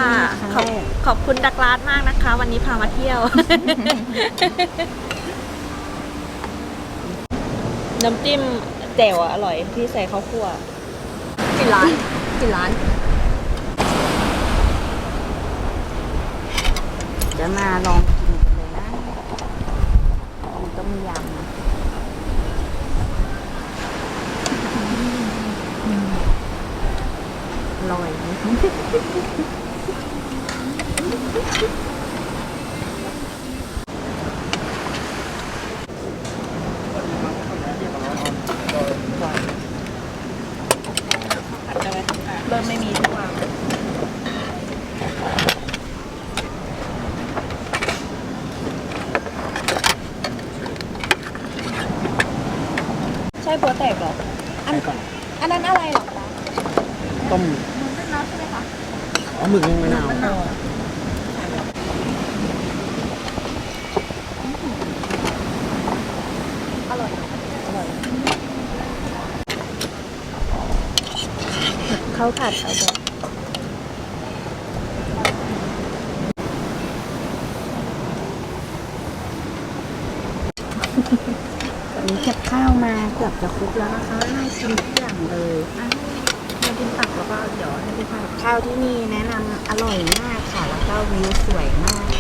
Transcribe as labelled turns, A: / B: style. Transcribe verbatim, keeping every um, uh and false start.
A: ขอบขอบคุณดักลาดมากนะคะ วันนี้พามาเที่ยว น้ำจิ้มแจ่วอร่อยที่ใส่ข้าวคั่วกี่ร้านกี่ร้าน
B: จะมาลองกินกันเลยนะมันต้มยำอร่อย
A: เริ่มไม่มีทุกวันใช่โปรแตกหรอ
C: อันก่อน
A: อันนั้นอะไรหรอคะ
C: ต้ม
A: มันเป็นน้ำใช่ไหมคะ
C: อ๋อหมึกนึ่งมะนาว
A: อร่อย อร่อยเขาผัดเอาแบบ
B: ตอนนี้เก็บข้าวมาเกือบจะครบแล้วนะคะน่ากินทุกอย่างเลย
A: มากินตักแล้วก็เดี๋ยวให้พี่พาย
B: ข้าวที่นี่แนะนำอร่อยมากค่ะ แล้วก็วิวสวยมาก